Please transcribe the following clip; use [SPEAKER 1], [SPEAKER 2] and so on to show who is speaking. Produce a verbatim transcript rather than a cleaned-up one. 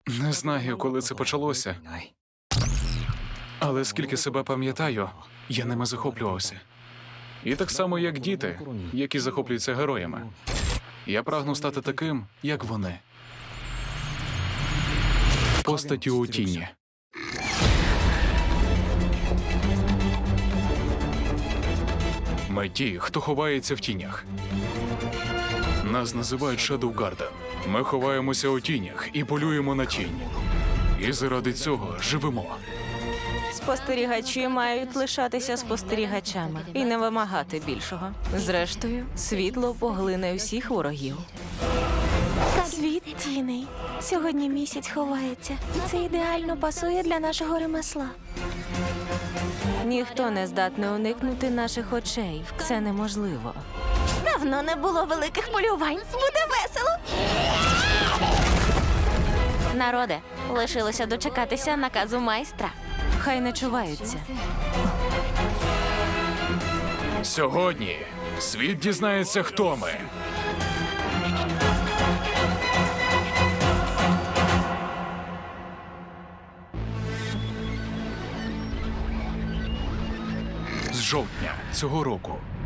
[SPEAKER 1] Не знаю, коли це почалося, але скільки себе пам'ятаю, я ними захоплювався. І так само, як діти, які захоплюються героями. Я прагну стати таким, як вони. Постаттю у тіні. Ми ті, хто ховається в тінях. Нас називають Shadow Garden. Ми ховаємося у тінях і полюємо на тінь. І заради цього живемо.
[SPEAKER 2] Спостерігачі мають лишатися спостерігачами і не вимагати більшого. Зрештою, світло поглине всіх ворогів.
[SPEAKER 3] Світ тіней. Сьогодні місяць ховається. І це ідеально пасує для нашого ремесла.
[SPEAKER 2] Ніхто не здатний уникнути наших очей. Це неможливо.
[SPEAKER 3] Давно не було великих полювань. Буде весело. Народе, лишилося дочекатися наказу майстра.
[SPEAKER 2] Хай не чуваються.
[SPEAKER 1] Сьогодні світ дізнається, хто ми. З жовтня цього року